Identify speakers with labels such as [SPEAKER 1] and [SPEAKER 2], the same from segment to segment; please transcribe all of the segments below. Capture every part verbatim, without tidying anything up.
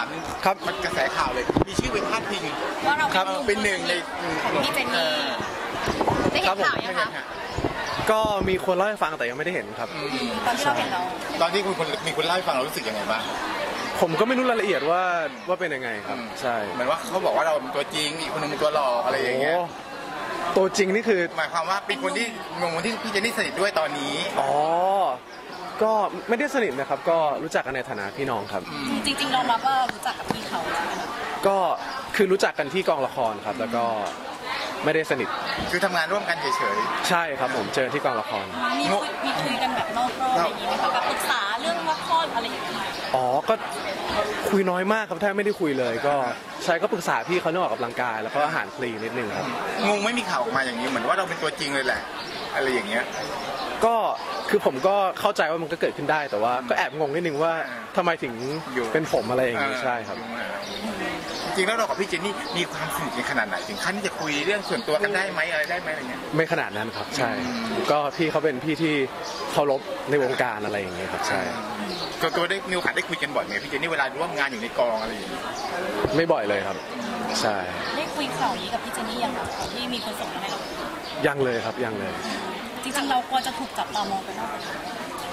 [SPEAKER 1] ามนึง
[SPEAKER 2] ครับ
[SPEAKER 1] มันกระแสข่าวเลยมีชื่อเป็นพาดพิง
[SPEAKER 3] ว่าเรา
[SPEAKER 2] ครับ
[SPEAKER 1] เป็นหนึ่งใน
[SPEAKER 3] ของพี่เจนนี่ได้เห็นข่าวยังคะ
[SPEAKER 2] ก็มีคนเล่าให้ฟังแต่ยังไม่ได้เห็นครับ
[SPEAKER 3] ตอนที่เราเห็นเรา
[SPEAKER 1] ตอนที่คุณมีคนเล่าให้ฟังเรารู้สึกยังไงบ้าง
[SPEAKER 2] ผมก็ไม่รู้รายละเอียดว่าว่าเป็นยังไงครับใช่
[SPEAKER 1] เหมือนว่าเขาบอกว่าเราเป็นตัวจริงอีกคนนึงเป็นตัวหลอกอะไรอย่างเงี้ย
[SPEAKER 2] โอ้ตัวจริงนี่คือ
[SPEAKER 1] หมายความว่าเป็นคนที่งงที่พี่เจนนี่สนิทด้วยตอนนี้
[SPEAKER 2] อ๋อก็ไม่ได้สนิทนะครับก็รู้จักกันในฐานะพี่น้องครับ
[SPEAKER 3] จริงๆเรารับว่ารู้จักกับพี่เขาใช่ไหมคะ
[SPEAKER 2] ก็คือรู้จักกันที่กองละครครับ แล้วก็ไม่ได้สนิท
[SPEAKER 1] คือทำงานร่วมกันเฉย
[SPEAKER 2] ใช่ครับผมเจอที่กองละคร
[SPEAKER 3] มีคุยมีคุยกันแบบนอกรอบอะไรอย่างนี้ไหมคะแบบปรึกษาเรื่องละครอะไรอย่างเงี้ย
[SPEAKER 2] อ๋อก็คุยน้อยมากครับแทบไม่ได้คุยเลย ก็ใช่ก็ปรึกษาพี่เขาเรื่องออกกำลังกายแล้วก็อาหารคลีนนิดนึงครับ
[SPEAKER 1] ๆงงไม่มีข่าวออกมาอย่างนี้เหมือนว่าเราเป็นตัวจริงเลยแหละอะไรอย่างเงี้ย
[SPEAKER 2] ก็คือผมก็เข้าใจว่ามันก็เกิดขึ้นได้แต่ว่าก็แอบงงนิดนึงว่าทำไมถึง
[SPEAKER 1] อยู่
[SPEAKER 2] เป็นผมอะไรอย่างนี้ใช่ครับ
[SPEAKER 1] จริงๆแล้วเรากับพี่เจนนี่มีความสนิทกันขนาดไหนถึงขั้นที่จะคุยเรื่องส่วนตัวกันได้ไหมอะไรได้ไหมอะไรเงี้ย
[SPEAKER 2] ไม่ขนาดนั้นครับใช่ ก็พี่เขาเป็นพี่ที่เคารพในวงการอะไรอย่างเงี้ยครับใช่
[SPEAKER 1] ตัวตัวได้มีโอกาสได้คุยกันบ่อยไหมพี่เจนนี่เวลาร่วมงานอยู่ในกองอะไรอย่างเงี้ย
[SPEAKER 2] ไม่บ่อยเลยครับใช่
[SPEAKER 3] ได้คุยข่าวนี้กับพี่เจนนี่ยังคะที่มีคนส่งมาให้เรา
[SPEAKER 2] ยังเลยครับยังเลย
[SPEAKER 3] จริงๆเรากลัวจะถูกจับตามองไปมากกว่านี้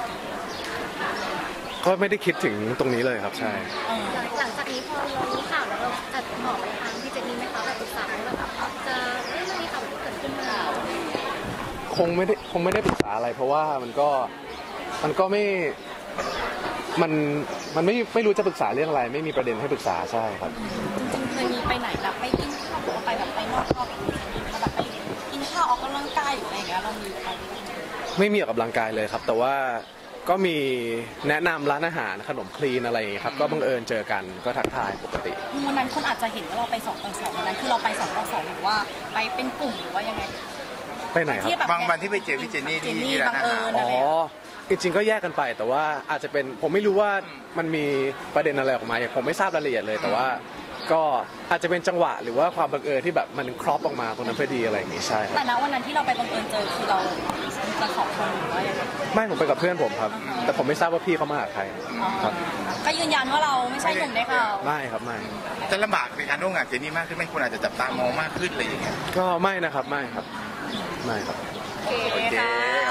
[SPEAKER 2] ก็ไม่ได้คิดถึงตรงนี้เลยครับใช่
[SPEAKER 3] เออ
[SPEAKER 4] หลังจากนี้พอเรารู้ข่าวแล้วเราจะบอกไปทางพี่เจนนี่ไหมคะแบบปรึกษาว่าแบบจะเอ้ยมันมีข่าวแบบนี้เกิดขึ้นมา
[SPEAKER 2] คงไม่ได้คงไม่ได้ปรึกษาอะไร เพราะว่ามันก็มันก็ไม่มันมันไม่ไม่รู้จะปรึกษาเรื่องอะไร ไม่มีประเด็นให้ปรึกษาใช่ครับ
[SPEAKER 3] เคยมีไปไหนแบบไปกินข้าวหรือว่าไปแบบไปนอกรอบกับพี่เจนนี่แล้วแบบไปกินข้าวออกกำลังกายหรืออะไรอย่างเงี้ยเรามีไปไหม
[SPEAKER 2] ไม่มีออกกำลังกายเลยครับ แต่ว่าก็มีแนะนำร้านอาหารขนมคลีนอะไรอย่างเงี้ยครับก็บังเอิญเจอกันก็ทักทายปกติ
[SPEAKER 3] วันนั้นคนอาจจะเห็นว่าเราไปสองต่อสองวันนั้นคือเราไปสองต่อสองหรือว่าไปเป็นกลุ่มหรือว่ายังไง
[SPEAKER 2] ไปไหนครับ
[SPEAKER 3] ที่แบบ
[SPEAKER 1] บางวันที่ไปเจอพี่เจนนี่ที่ที่ร้านอาหาร
[SPEAKER 2] อ๋อจริงๆก็แยกกันไปแต่ว่าอาจจะเป็นผมไม่รู้ว่ามันมีประเด็นอะไรออกมาอย่างผมไม่ทราบรายละเอียดเลย แต่ว่าก็อาจจะเป็นจังหวะหรือว่าความบังเอิญที่แบบมันครอปออกมาตรงนั้นพอดีอะไรอย่างงี้ใช่ครับ
[SPEAKER 3] แต่ณวันนั้นที่เราไปบังเอิญเจอคือเราจะสองคนหรือว่ายังไง
[SPEAKER 2] ไม่ผมไปกับเพื่อนผมครับ แต่ผมไม่ทราบว่าพี่เขามาหาใครครับ
[SPEAKER 3] ก็ยืนยันว่าเราไม่ใช่หนุ่มได้ข่าว
[SPEAKER 2] ไม่ครับไม่
[SPEAKER 1] จะลำบากในการร่วมงานเจนนี่มากขึ้นไหมคนอาจจะจับตามองมากขึ้นอะไรอย่างเงี้ย
[SPEAKER 2] ก็ไม่นะครับไม่ครับไม่ครับ
[SPEAKER 3] โอเคค่ะ